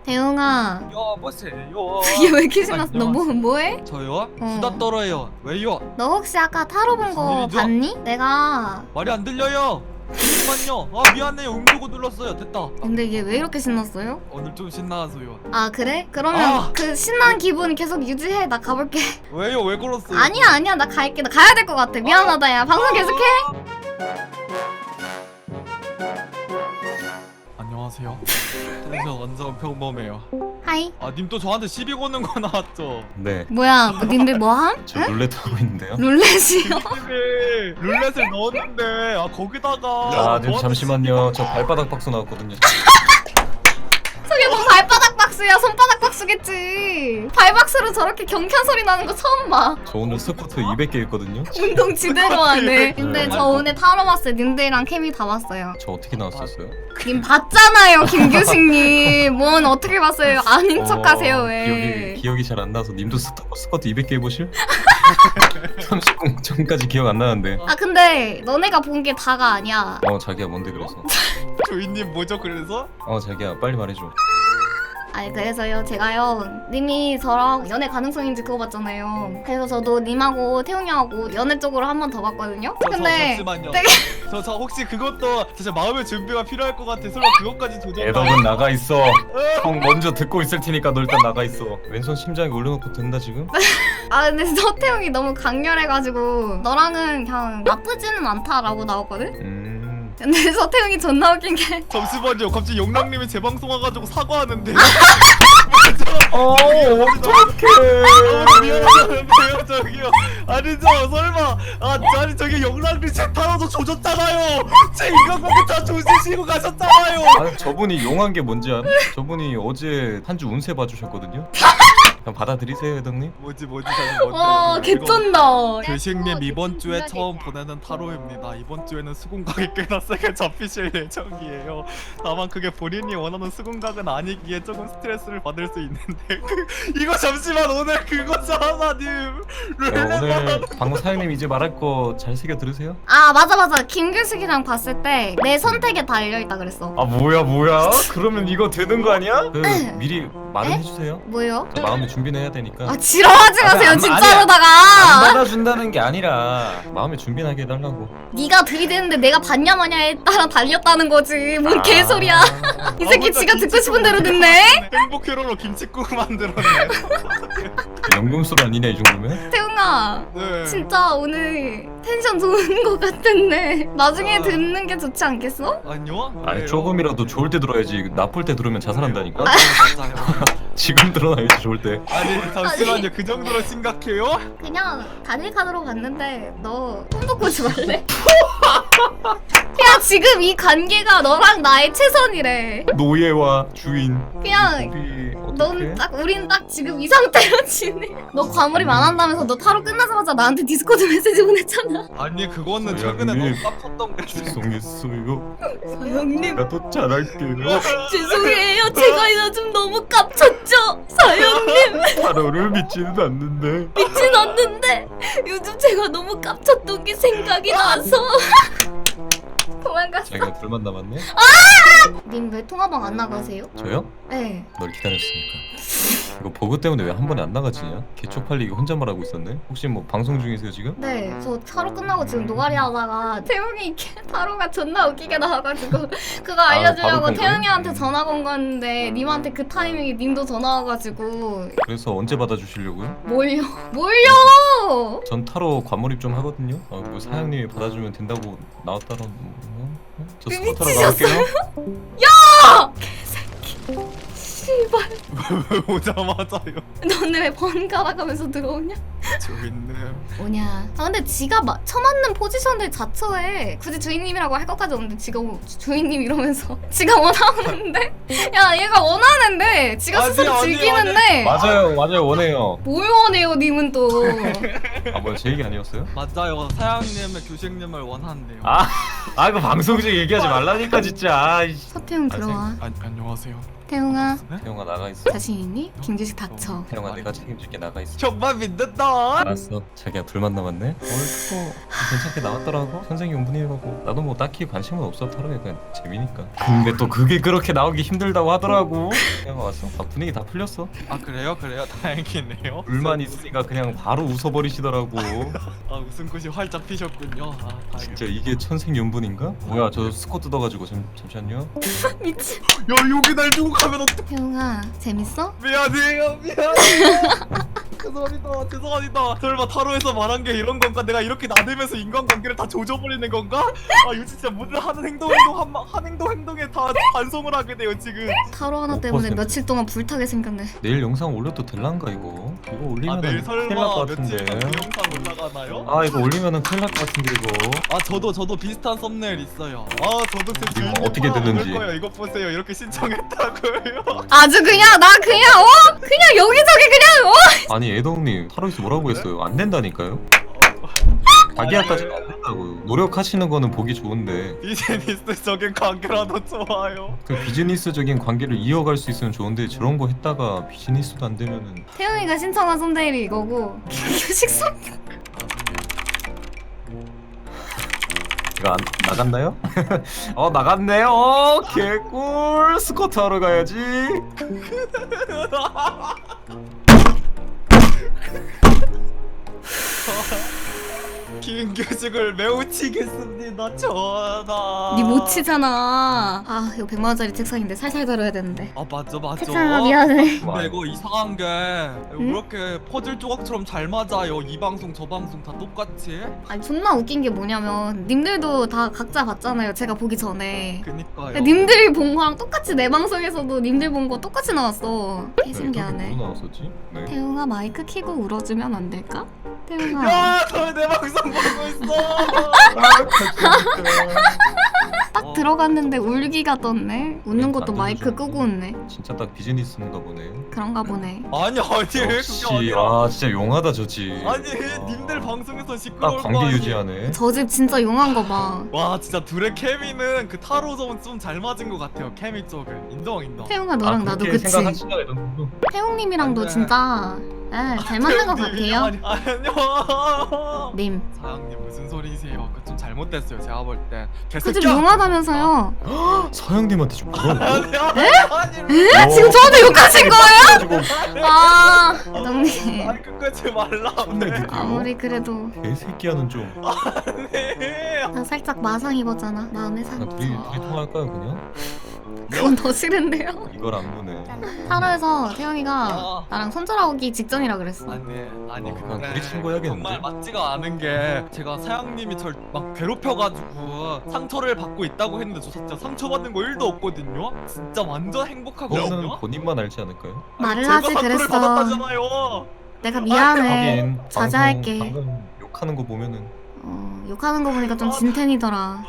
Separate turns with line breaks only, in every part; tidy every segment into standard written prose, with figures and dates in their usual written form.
대웅아.
여보세요.
이게 왜 이렇게 신났어? 너 뭐해?
저요? 수다 떨어요. 왜요?
너 혹시 아까 타로 본 거
무슨 일이죠?
봤니? 내가
말이 안 들려요. 잠깐만요. 아 미안해요. 음주고 눌렀어요. 됐다.
근데 이게 왜 이렇게 신났어요?
오늘 좀 신나서요.
아 그래? 그러면
아!
그 신난 기분 계속 유지해. 나 가볼게.
왜요? 왜 그랬어요?
아니야 나 갈게. 나 가야 될 것 같아. 미안하다 야. 방송 계속해.
안녕하세요. 텐션 완전 평범해요.
하이.
아 님 또 저한테 시비 거는 거 나왔죠?
네,
뭐야 님들 뭐함?
저 룰렛 하고 있는데요.
룰렛이요?
님이 룰렛을 넣었는데 아 거기다가
아, 님
저한테
잠시만요. 저 발바닥 박수 나왔거든요.
저게 뭐 발바닥 박스야. 손바닥 박스겠지. 발박스로 저렇게 경쾌한 소리 나는 거 처음 봐.
저 오늘 스쿼트 200개 했거든요.
운동 지대로 하네. 근데
네.
저 오늘 타러 왔어요. 님들이랑 케미 다 봤어요.
저 어떻게 나왔었어요?
님 봤잖아요 김규식님. 뭔 어떻게 봤어요? 아닌 척하세요 왜?
기억이 잘 안 나서 님도 스쿼트 200개 해보실? 30분 전까지 기억 안 나는데.
아 근데 너네가 본 게 다가 아니야.
자기야 뭔데 그래서?
조이님 뭐죠 그래서?
자기야 빨리 말해줘.
아니 그래서요 제가요 님이 저랑 연애 가능성인지 그거 봤잖아요. 그래서 저도 님하고 태웅이하고 연애 쪽으로 한 번 더 봤거든요. 근데
잠시만요.
되게
저 혹시 그것도 진짜 마음의 준비가 필요할 것 같아. 설마 그것까지 조절?
애덕은 나가 있어. 형 먼저 듣고 있을 테니까 너 일단 나가 있어. 왼손 심장에 올려놓고 된다 지금?
아 근데 서태웅이 너무 강렬해가지고 너랑은 그냥 나쁘지는 않다라고 나왔거든. 근데 서태웅이 존나 웃긴 게
잠시만요. 갑자기 영랑님이 제 방송 와가지고 사과하는데.
어떡해.
너무 미안한데요 저기요. 아니 저 설마 아니 저기 영랑님 제 타로도 조졌잖아요. 제 인간관계 다 조지시고 가셨잖아요.
아니 저분이 용한 게 뭔지 알아? 저분이 어제 한 주 운세 봐주셨거든요. 그냥 받아들이세요 애덕님.
뭐지
와 개쩐다.
교식님 이번 주에 처음 보내는 타로입니다. 이번 주에는 수공각이 꽤나 세게 잡히실 예정이에요. 다만 그게 본인이 원하는 수공각은 아니기에 조금 스트레스를 받을 수 있는데 이거 잠시만 오늘 그거잖아 님.
오늘 방금 사장님 이제 말할 거 잘 새겨 들으세요?
아 맞아 김규식이랑 봤을 때 내 선택에 달려있다 그랬어.
아 뭐야 그러면 이거 되는 거 아니야? 미리 말을
에?
해주세요.
뭐요?
저 마음의 준비는 해야 되니까.
아 지랄하지 마세요
안
진짜로다가.
받아준다는 게 아니라 마음의 준비는 하게 해달라고.
네가 들이대는데 내가 봤냐 마냐에 따라 달렸다는 거지. 뭔 개소리야. 이 새끼 지가 듣고 싶은 대로 듣네.
행복 회로로 김치국 만들었네.
연금술 아니냐 이 정도면?
태웅아
네.
진짜 오늘 텐션 좋은 거 같은데 나중에 듣는 게 좋지 않겠어?
아니요?
아니
왜요?
조금이라도 좋을 때 들어야지. 나쁠 때 들으면 자살한다니까.
맞아요.
지금 들어놔야지 좋을 때.
아니 잠시만요. 그 정도로 심각해요?
그냥 단일 카드로 봤는데 너 손도 꽂지 말래? 그냥 지금 이 관계가 너랑 나의 최선이래.
노예와 주인.
그냥
우리
넌 딱 우린 딱 지금 이 상태로 지내. 너 과몰입 안 한다면서 너 타로 끝나자마자 나한테 디스코드 메시지 보냈잖아.
아니 그거는
저희
최근에
형님.
너무 깝쳤던 게
죄송했어요.
사장님
내가 더 잘할게요.
죄송해요. 제가 요즘 너무 깝쳤죠. 사장님
타로를 믿지는 않는데.
믿진 않는데 요즘 제가 너무 깝쳤던 게 생각이 나서 도망갔어.
자기가 둘만 남았네.
님 왜 통화방 안 나가세요?
저요?
네.
널 기다렸으니까. 이거 버그 때문에 왜 한 번에 안 나가지냐? 개쪽팔리게 혼잣말 하고 있었네. 혹시 뭐 방송 중이세요 지금?
네, 저 타로 끝나고 지금 노가리 하다가 태웅이 타로가 존나 웃기게 나와가지고 그거 알려주려고
바로 본 거예요?
태웅이한테 전화 건 건데 님한테 그 타이밍에 님도 전화 와가지고
그래서 언제 받아주시려고요?
뭘요?
전 타로 과몰입 좀 하거든요. 뭐 사장님이 받아주면 된다고 나왔다라. 저 스쿼트로
미치셨어요?
나갈게요.
씨발
오자마자요.
너네 왜 번갈아 가면서 들어오냐?
조인님.
뭐냐. 아 근데 지가 처맞는 포지션들 자처해. 굳이 주인님이라고 할 것까지 없는데 지가 주인님 이러면서 지가 원하는데? 야 얘가 원하는데 지가
아니,
스스로
아니,
즐기는데
맞아요 원해요.
뭘 원해요 님은 또.
아 뭐야 제 얘기 아니었어요?
맞아요. 사장님의 교식님을 원한대요.
아 이거 방송 중에 얘기하지 말라니까 진짜. 아이씨.
서태웅 들어와.
안녕하세요.
태용아
태용아 나가 있어.
자신 있니? 김규식 닥쳐.
태용아 내가 책임질게. 나가 있어.
정말 믿는다.
알았어. 자기야 둘만 남았네. 뭐 괜찮게 나왔더라고. 선생용분이라고. 나도 뭐 딱히 관심은 없어. 타로에 그냥 재미니까. 근데 또 그게 그렇게 나오기 힘들다고 하더라고. 태용아 왔어? 아, 분위기 다 풀렸어.
아 그래요? 다행이네요.
불만 있으니까 그냥 바로 웃어버리시더라고.
아 웃음꽃이 활짝 피셨군요. 아 다행이다.
진짜 이게 천생연분인가? 뭐야 저 스코 뜯어가지고 잠시만요.
미친.
야 여기 날 두고 가면 어떡?
태용아 재밌어?
미안해요. 죄송합니다. 설마 타로에서 말한 게 이런 건가? 내가 이렇게 나대면서 인간관계를 다 조져버리는 건가? 아 이거 진짜 모든 하는 행동에 다 반성을 하게 돼요 지금.
타로 하나 때문에
5%.
며칠 동안 불타게 생겼네.
내일 영상 올려도 될란가 이거? 이거
아
올리면은
내일
큰일 날
설마
것
며칠
같은데.
전 영상 올라가나요?
아 이거 올리면은 큰일 날 것 같은데 이거.
아 저도 비슷한 썸네일 있어요. 아 저도 제 주인님
어떻게
하나
됐는지.
올릴 거예요. 이거 보세요. 이렇게 신청했다고요.
아주 그냥 나 그냥 그냥 여기저기 그냥
아니 애동님 타로에서 뭐라고 했어요? 안 된다니까요? 자기야까지는 안 된다고요. 노력하시는 거는 보기 좋은데
비즈니스적인 관계라도 좋아요.
그 비즈니스적인 관계를 이어갈 수 있으면 좋은데 저런 거 했다가 비즈니스도 안 되면은
태용이가 신청한 썸네일이 이거고 김규식 썸
이거 안 나갔나요? 나갔네요. 개꿀. 스쿼트 하러 가야지.
김규식을 매우 치겠습니다. 전하.
니 못 치잖아. 아 이거 100만 원짜리 책상인데 살살 다뤄야 되는데.
아 맞죠.
책상아 미안해.
근데 이거 이상한 게 왜 이렇게 퍼즐 조각처럼 잘 맞아요? 이 방송 저 방송 다 똑같이?
아니 존나 웃긴 게 뭐냐면 님들도 다 각자 봤잖아요. 제가 보기 전에.
그니까요.
님들이 본 거랑 똑같이 내 방송에서도 님들 본 거 똑같이 나왔어. 개 신기하네.
누구 나왔었지? 네.
태용아 마이크 켜고 울어주면 안 될까? 태용아
야, 너 내 방송 보고 있어.
딱 들어갔는데 울기가 떴네. 웃는 것도
안
마이크
들어줘.
끄고 웃네.
진짜 딱 비즈니스인가 보네.
그런가 보네.
아니 그게
역시
아니라.
아 진짜 용하다 저지.
아니 님들 방송에서 시끄러울
딱
거
관계
아니.
유지하네.
저 집 진짜 용한 거 봐.
와 진짜 둘의 케미는 그 타로 점은 좀 잘 맞은 것 같아요. 케미 쪽은 인정.
태용아 너랑 나도
그렇게
그치?
생각하시나 이런.
태용님이랑도
안 돼.
진짜 잘 맞는 거 같아요.
아니요.
님.
사장님 무슨 소리세요? 그거 좀 잘못됐어요. 제가 볼 때.
그 집 용하다면서요.
서영님한테 좀 뭐라고?
에? 지금 저한테 욕하신 거예요? 아, 동님.
아니 끝까지 말라.
혼내줄게요.
아무리 그래도
개새끼야는 좀.
네.
나 살짝 마상 입었잖아. 마음의
나
상처.
둘이 통화할까요 그냥?
그건 더 싫은데요.
이걸 안 보네.
타로에서 태영이가 나랑 손절하기 직전이라 그랬어.
아니
그냥
근데
둘이 친구 해야겠는데?
정말 맞지가 않은 게 제가 사장님이 절 막 괴롭혀가지고 상처를 받고 있다고 했는데 저 진짜 상처받는 거 1도 없거든요. 진짜 완전 행복하거든요.
그거는 본인만 알지 않을까요?
말을
제가
하지
상처를
그랬어.
받았다잖아요.
내가 미안해.
하긴
자제할게.
방금 욕하는 거 보면은
욕하는 거 보니까 좀 진텐이더라.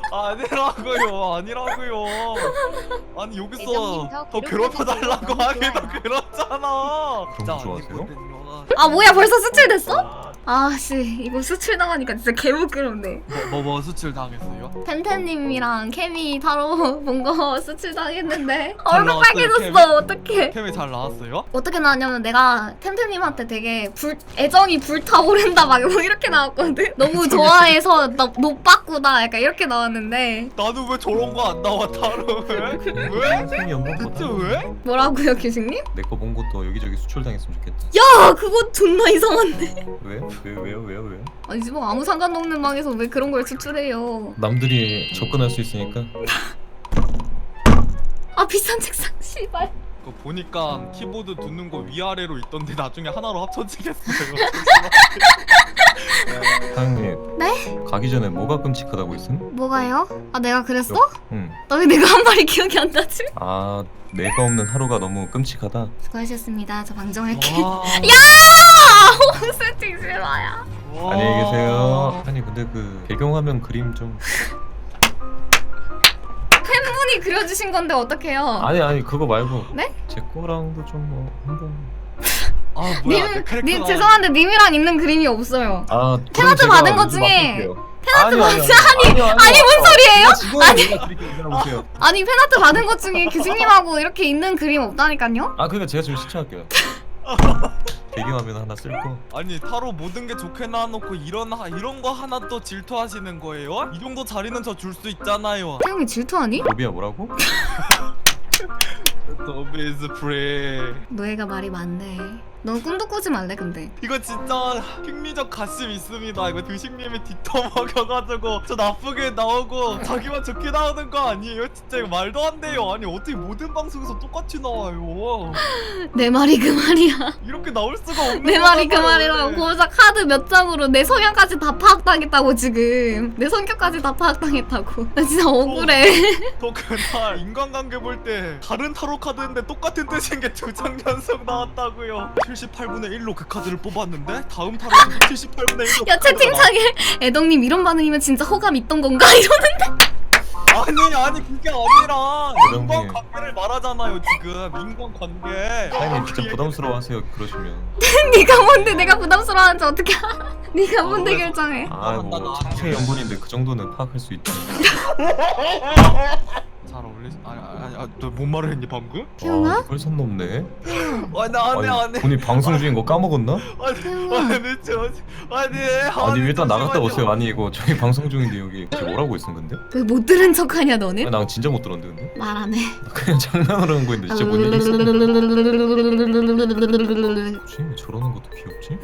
아니라고요. 아니 여기서 더 괴롭혀달라고 하기도 그렇잖아.
그런 거 좋아하세요?
아니거든요.
아 뭐야 벌써 수출됐어? 아씨 이거 수출 당하니까 진짜 개부끄럽네.
뭐 수출 당했어요?
템템님이랑 케미 타로 본 거 수출 당했는데
잘
얼굴
나왔어요,
빨개졌어. 어떡해.
캠이 잘 나왔어요?
어떻게 나왔냐면 내가 템템님한테 되게 애정이 불타오른다 막 이렇게 나왔거든. 너무 좋아해서 나 노빠꾸다 약간 이렇게 나왔는데
나는 왜 저런 거 안 나와 타로 왜?
생이 없는
대체
거다.
왜?
뭐라고요 교수님?
내거 본 것도 여기저기 수출당했으면 좋겠다.
야 그거 존나 이상한데.
왜? 왜요?
아니 뭐 아무 상관도 없는 방에서 왜 그런 걸 추출해요.
남들이 접근할 수 있으니까.
아 비싼 책상 씨발.
그거 보니까 키보드 두는 거 위아래로 있던데 나중에 하나로 합쳐지겠어요.
사장님.
네?
가기 전에 뭐가 끔찍하다고 했음?
뭐가요? 아 내가 그랬어?
응.
나 왜 내가 한 말이 기억이 안 나지?
아 내가 없는 하루가 너무 끔찍하다.
수고하셨습니다. 저 방정할게.
와.
야! 세팅 실화야.
와.
안녕히 계세요. 아니 근데 그 배경화면 그림 좀.
팬분이 그려주신 건데 어떡해요?
아니 그거 말고.
네?
제 거랑도 좀 뭐 한번.
아 뭐야 내
님
캐릭터가
죄송한데 님이랑 있는 그림이 없어요.
아
페나트 받은 것 중에
페나트
아니 뭔 소리예요? 아니 페나트 받은 것 중에 규식님하고 이렇게 있는 그림 없다니까요?
아 그러니까 제가 좀 신청할게요. 배경화면 하나 쓸고.
아니 타로 모든 게 좋게 나와놓고 이런 거 하나 또 질투하시는 거예요? 이 정도 자리는 저 줄 수 있잖아요.
태영이 질투하니?
로비야 뭐라고?
더비즈 프레.
너희가 말이 많네. 넌 꿈도 꾸지 말래 근데.
이거 진짜 킹리적 가심 있습니다. 이거 드식님이 뒷터 먹여가지고 저 나쁘게 나오고 자기만 좋게 나오는 거 아니에요? 진짜 이거 말도 안 돼요. 아니 어떻게 모든 방송에서 똑같이 나와요?
내 말이 그 말이야.
이렇게 나올 수가 없는
내 말이 그
거잖아요,
말이라고.
원래.
고작 카드 몇 장으로 내 성향까지 다 파악당했다고 지금. 내 성격까지 다 파악당했다고. 나 진짜 억울해.
저 그날 인간관계 볼 때 다른 타로 카드인데 똑같은 뜻인 게 2장 연속 나왔다고요. 78분의 1로 그 카드를 뽑았는데 다음 타로에서 78분의 1로
야 채팅창에 애덕님 이런 반응이면 진짜 호감 있던 건가? 이러는데.
아니 그게 아니라
애덕님.
인간관계를 말하잖아요 지금. 인간관계.
사장님 진짜 부담스러워하세요 그러시면.
네가 뭔데 내가 부담스러워하는지 어떻게 알아? 네가 뭔데 결정해.
아뭐 청취 연분인데 그 정도는 파악할 수 있지.
잘 어울리지? 너 뭔 말을 했니 방금?
태용아?
이걸 선 넘네.
아니
본인 방송 중인 거 까먹었나? 아니 일단 나갔다 오세요. 아니 이거 저희 방송 중인데 여기 지금 뭐라고 있은 건데?
왜 못 들은 척하냐 너는?
나 진짜 못 들었는데 근데?
말 안 해.
나 그냥 장난으로 한 거였는데 진짜 뭔 일이 있었나? 왜 저러는 것도 귀엽지?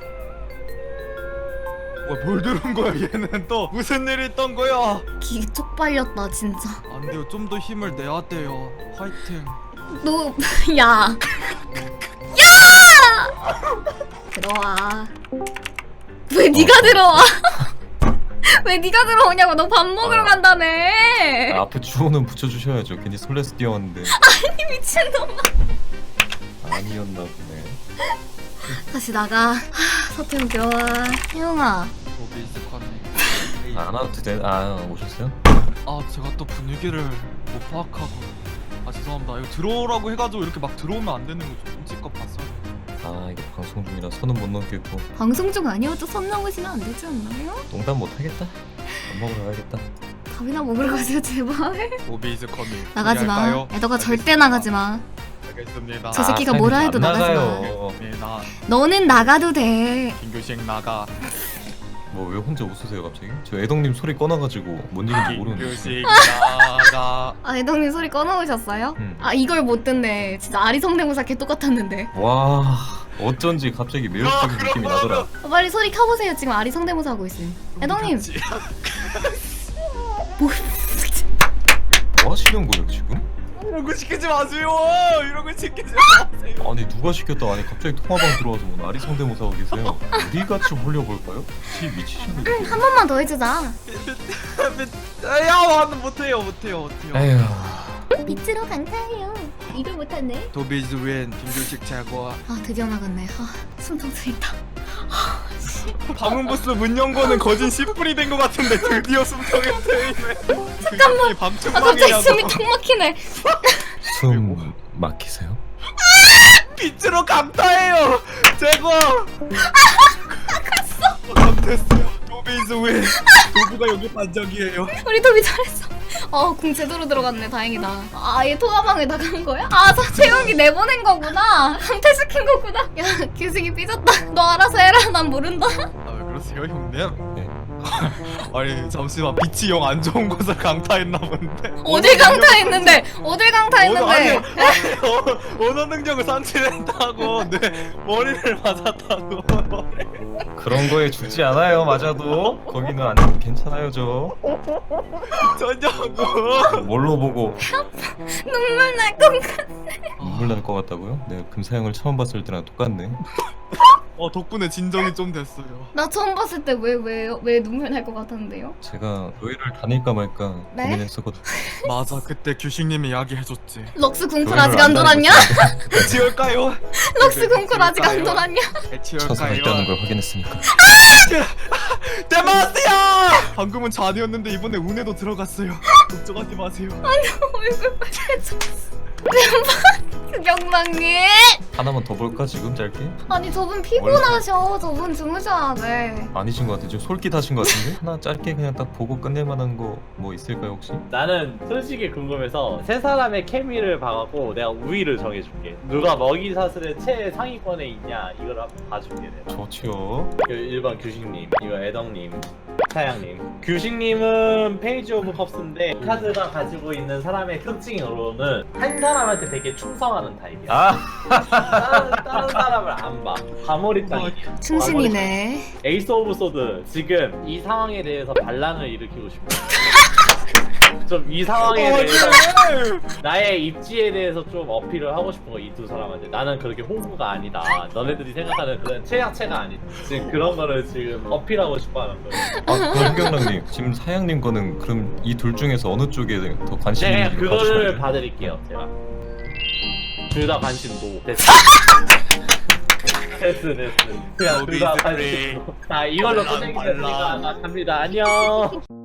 뭘 들은 거야 얘는 또 무슨 일이 있던 거야?
기 쪽팔렸다 진짜.
안 돼요 좀 더 힘을 내야 돼요. 화이팅.
너 야. 야! 들어와. 왜 네가 들어와? 왜 네가 들어오냐고. 너 밥 먹으러 간다며.
앞에 주호는 붙여주셔야죠. 괜히 설레서 뛰어왔는데
이 미친놈아.
아니었나 보네.
다시 나가. 서태웅 들어와. 태웅아.
안 와도 돼? 오셨어요?
아 제가 또 분위기를 못 파악하고 죄송합니다. 이거 들어오라고 해가지고 이렇게 막 들어오면 안 되는 거죠. 끔찍껏 봤어요.
이거 방송 중이라 선은 못 넘겠고.
방송 중 아니어도 선 넘으시면 안 되지 않나요?
농담 못 하겠다. 밥 먹으러 가야겠다.
밥이나 먹으러 가세요 제발.
오비즈 커밍.
나가지 마.
준비할까요?
애더가 절대 나가지 마.
알겠습니다.
저 새끼가 뭐라 해도
안
나가지 마.
나가요.
네, 나
너는 나가도 돼.
김교식 나가.
뭐 왜 혼자 웃으세요 갑자기? 저 애덕님 소리 꺼놔가지고 뭔 일인지 모르는데.
김교식 나가.
애덕님 소리 꺼놓으셨어요?
응.
이걸 못 듣네. 진짜 아리 성대모사 개 똑같았는데.
와 어쩐지 갑자기 매력적인 느낌이 나더라.
빨리 소리 켜보세요. 지금 아리 성대모사 하고 있어요. 애덕님. 뭐
뭐 하시는 거예요 지금?
이런 거 시키지 마세요. 이런 거 시키지 마세요.
아니 누가 시켰다. 아니 갑자기 통화방 들어와서 뭐 나리 성대모사 하고 계세요. 어디같이 홀려볼까요? 미치시네.
한 번만 더 해주자.
야 못해요.
에휴.
빛으로 강타해요. 이걸 못하네.
도비즈 윈 김교식 제거.
드디어 나갔네. 숨통 트인다.
방음 부스 문 연거는 거진 10분이 된 것 같은데 드디어 숨통에 트이네. 잠깐만.
갑자기 숨이 턱 막히네.
숨 막히세요?
빛으로 감타해요. 제거. 감타했어요. 도비즈 윈. 도구가 여기 반짝이에요.
우리 도비 잘했어. 공 제대로 들어갔네. 다행이다. 얘 통화방에 나간 거야? 서채용이 내보낸 거구나. 강퇴시킨 거구나. 야, 규식이 삐졌다. 너 알아서 해라. 난 모른다.
왜 그러세요 형님?
네.
아니 잠시만 빛이 영 안 좋은 곳을 강타했나 본데.
어딜 강타했는데? 어딜 강타했는데?
언어 능력을 상실했다고 내 머리를 맞았다고.
그런 거에 죽지 않아요. 맞아도 거기는 안 괜찮아요 저.
저냐고.
뭘로 보고
눈물 날 것 같아.
눈물 날 것 같다고요? 내가 금사형을 처음 봤을 때랑 똑같네.
덕분에 진정이 좀 됐어요.
나 처음 봤을 때 왜 눈물 날 것 같았는데요?
제가 교회를 다닐까 말까
네?
고민했었거든.
맞아 그때 규식님이 이야기해줬지.
럭스 궁쿨
교회를
아직 안 돌았냐?
지울까요?
럭스 궁쿨 아직 안 돌았냐?
처사가 있다는 걸 확인했으니까.
데마스야! 방금은 저 아니었는데 이번에 운에도 들어갔어요. 걱정하지 마세요.
얼굴 빨개졌어. 경망님.
하나만 더 볼까 지금 짧게?
아니 저분 피곤하셔. 저분 주무셔야 돼.
아니신 것 같아. 지금 솔깃하신 것 같은데? 하나 짧게 그냥 딱 보고 끝낼 만한 거 뭐 있을까요 혹시?
나는 솔직히 궁금해서 세 사람의 케미를 봐갖고 내가 우위를 정해줄게. 누가 먹이 사슬의 최상위권에 있냐 이걸 한번 봐줄게 내가.
좋지요.
1번 규식님, 이거 애덕님, 사양님. 규식님은 페이지 오브 컵스인데 카드가 가지고 있는 사람의 특징으로는 한 사람한테 되게 충성하는 타입이야. 다른 사람을 안 봐. 과몰입 당이야.
충신이네.
에이스 오브 소드 지금 이 상황에 대해서 반란을 일으키고 싶어. 좀 이 상황에 대해서 나의 입지에 대해서 좀 어필을 하고 싶은 거 이 두 사람한테. 나는 그렇게 홍구가 아니다. 너네들이 생각하는 그런 최약체가 아니다. 지금 그런 거를 지금 어필하고 싶어하는 거예요.
아 그럼 현경랑님 지금 사양님 거는 그럼 이 둘 중에서 어느 쪽에 더 관심이
네,
있는지
그거를
봐주시면
봐드릴게요. 제가 둘 다 관심 노. 됐어. 됐어. 그냥 둘 다 관심 노. 자, 이걸로 끝내겠습니다. 갑니다. 안녕.